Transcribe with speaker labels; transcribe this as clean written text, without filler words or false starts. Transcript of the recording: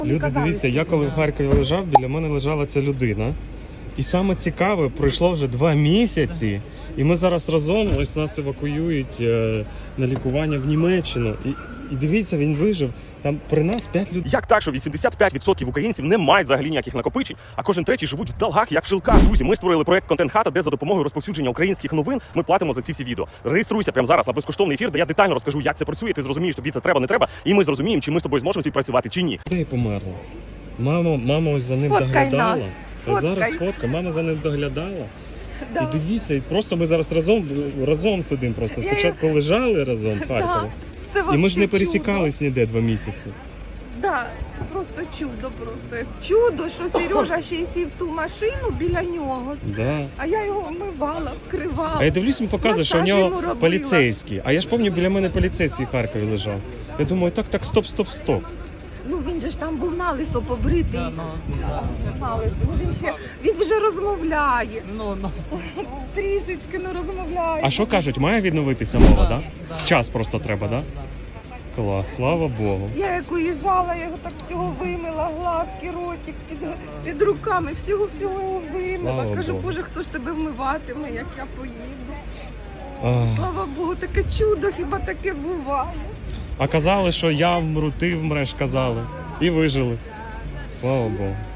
Speaker 1: Люди, дивіться, я коли в Харкові лежав, біля мене лежала ця людина. І саме цікаве, пройшло вже 2 місяці, і ми зараз разом, ось нас евакуюють на лікування в Німеччину. І дивіться, він вижив. Там при нас 5 людей.
Speaker 2: Як так, що 85% українців не мають взагалі ніяких накопичень, а кожен третій живуть в долгах, як в жилках. Друзі, ми створили проект «Контент-хата», де за допомогою розповсюдження українських новин ми платимо за ці всі відео. Реєструйся прямо зараз на безкоштовний ефір, де я детально розкажу, як це працює, ти зрозумієш, тобі це треба, не треба, і ми зрозуміємо, чи ми з тобою зможемо співпрацювати, чи ні.
Speaker 1: Людей померло. Мама ось за ним
Speaker 3: Сфоткай
Speaker 1: доглядала.
Speaker 3: нас.
Speaker 1: А зараз фотка, мама за ним доглядала.
Speaker 3: Да.
Speaker 1: І дивіться, і просто ми зараз разом сидимо. Просто спочатку лежали разом в Харкові.
Speaker 3: Це
Speaker 1: І ми ж не
Speaker 3: вообще
Speaker 1: пересікались ніде 2 місяці.
Speaker 3: Да, це просто чудо, просто чудо, що Сережа ще й сів в ту машину біля нього,
Speaker 1: Да.
Speaker 3: а я його вмивала, вкривала.
Speaker 1: А я дивлюсь, він показує, що в
Speaker 3: Масаж йому
Speaker 1: нього
Speaker 3: робила.
Speaker 1: поліцейський. А я ж пам'ятаю, біля мене поліцейський в Харкові лежав. Я думаю, так, стоп.
Speaker 3: Ну він же ж там був налисо побритий. Налисо. Ну, він вже розмовляє. Трішечки не розмовляє.
Speaker 1: А що кажуть, має відновитися мова, да? Час просто треба, да? Клас, слава Богу.
Speaker 3: Я як уїжджала, я його так всього вимила, глазки, ротик, під руками, всього його вимила.
Speaker 1: Слава
Speaker 3: Кажу,
Speaker 1: Богу.
Speaker 3: Боже, хто ж тебе вмиватиме, як я поїду.
Speaker 1: Ах.
Speaker 3: Слава Богу, таке чудо, хіба таке буває.
Speaker 1: А казали, що я вмру, ти вмреш, казали. І вижили. Слава Богу.